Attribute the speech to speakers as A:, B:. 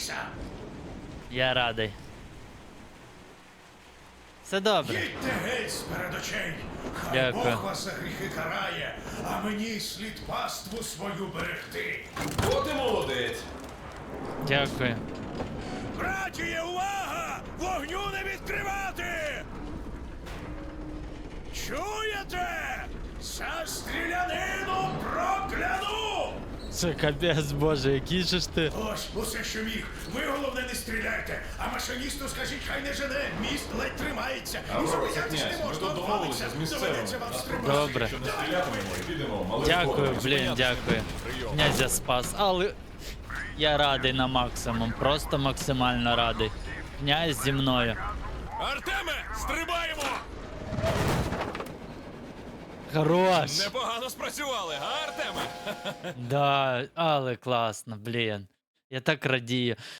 A: Я радий. Все добре.
B: Їдьте геть з-перед очей. Хай
A: Дякую.
B: Бог вас за гріхи карає, а мені слід паству свою берегти.
C: От і молодець.
A: Дякую.
B: Братіє, увага! Вогню не відкривати! Чуєте? За стрілянину прокляну!
A: Це капець, боже, який же ж ти.
B: Ось усе, що міг. Ви, головне, не стріляйте. А машиністу скажіть, хай не жене. Міст ледь тримається. І
C: Аврора,
B: зупинятись
C: князь,
B: не
C: ми
B: можна.
C: тут домовилися з місцевими.
B: Доведеться вам стрибати.
A: Добре.
C: Якщо не стрілятимемо, підемо малим
A: Дякую,
C: ходом.
A: блін, дякую. Князя спас, але я радий на максимум, просто максимально радий. Князь зі мною.
D: Артеме, стрибаємо!
A: Хорош!
D: Непогано спрацювали, а, Артеме?
A: Да, але класно, блін. Я так радію.